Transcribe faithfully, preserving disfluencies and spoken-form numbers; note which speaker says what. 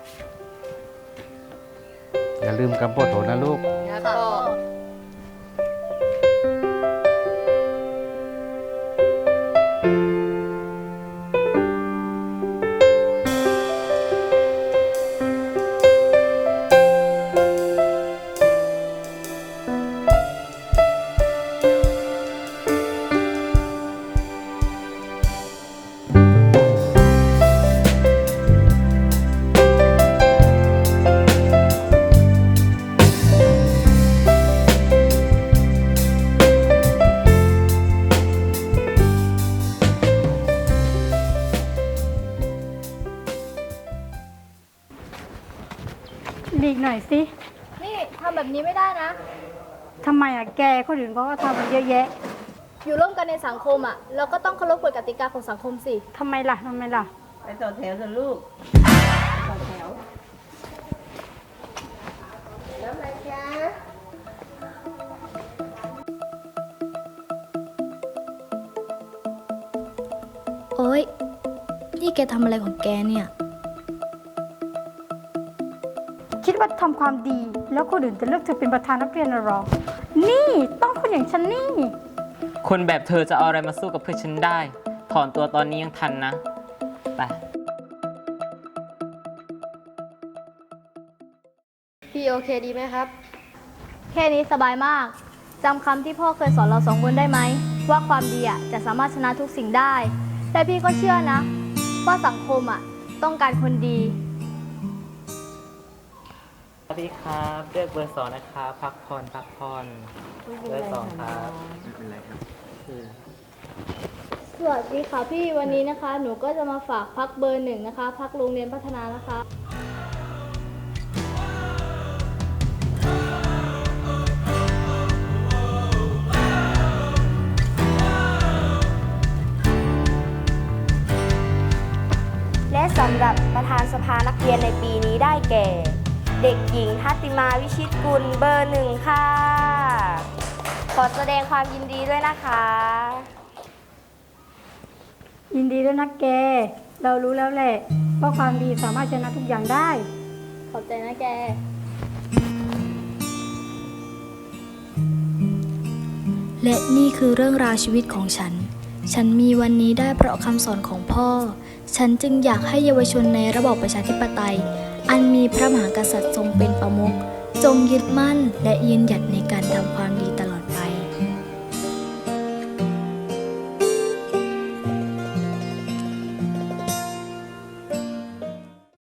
Speaker 1: อย่าลืมกำปวดโถนะลูก
Speaker 2: ครับพ่อ
Speaker 3: หลีกหน่อยสิ
Speaker 2: นี่ทำแบบนี้ไม่ได้นะ
Speaker 3: ทำไมอ่ะแกคนอื่นเขาก็ทำกันเยอะแยะ
Speaker 2: อยู่ร่วมกันในสังคมอ่ะ เราก็ต้องเคารพกฎกติกาของสังคมสิ
Speaker 3: ทำไมล่ะทำไมล่ะ
Speaker 4: ไปต่อแถวเถอะลูกต่อแถวแล้วอะไรจ๊ะ
Speaker 2: โอ๊ย นี่แกทำอะไรของแกเนี่ย
Speaker 3: คิดว่าทำความดีแล้วคนอื่นจะเลือกเธอเป็นประธานนักเรียนน่ะหรอ นี่ต้องคนอย่างฉันนี่
Speaker 5: คนแบบเธอจะเอาอะไรมาสู้กับเพื่อนฉันได้ ถอนตัวตอนนี้ยังทันนะ ไป
Speaker 2: พี่โอเคดีไหมครับ แค่นี้สบายมากจำคำที่พ่อเคยสอนเราสองคนได้ไหม ว่าความดีอ่ะจะสามารถชนะทุกสิ่งได้ แต่พี่ก็เชื่อนะ ว่าสังคมอ่ะต้องการคนดี
Speaker 5: สวัสดีครับเลือกเบอร์สองนะครับ พักผ่อนพักผ่อนเบอร์สองครับไม่เป็นไรครับ
Speaker 2: สวัสดีค่ะพี่วันนี้นะคะ หนูก็จะมาฝากพักเบอร์หนึ่งนะคะ พักโรงเรียนพัฒนานะคะ
Speaker 6: และสำหรับประธานสภานักเรียนในปีนี้ได้แก่ เด็กหญิงทัตติมาวิชิตกุลเบอร์หนึ่งค่ะ ขอแสดงความยินดีด้วยนะคะ
Speaker 3: ยินดีด้วยนะแก เรารู้แล้วแหละว่าความดีสามารถชนะทุกอย่างได้
Speaker 2: ขอบใจนะแก
Speaker 7: และนี่คือเรื่องราวชีวิตของฉัน ฉันมีวันนี้ได้เพราะคำสอนของพ่อ ฉันจึงอยากให้เยาวชนในระบอบประชาธิปไตย อันมีพระมหากษัตริย์ทรงเป็นประมุข จงยึดมั่นและยืนหยัดในการทำความดี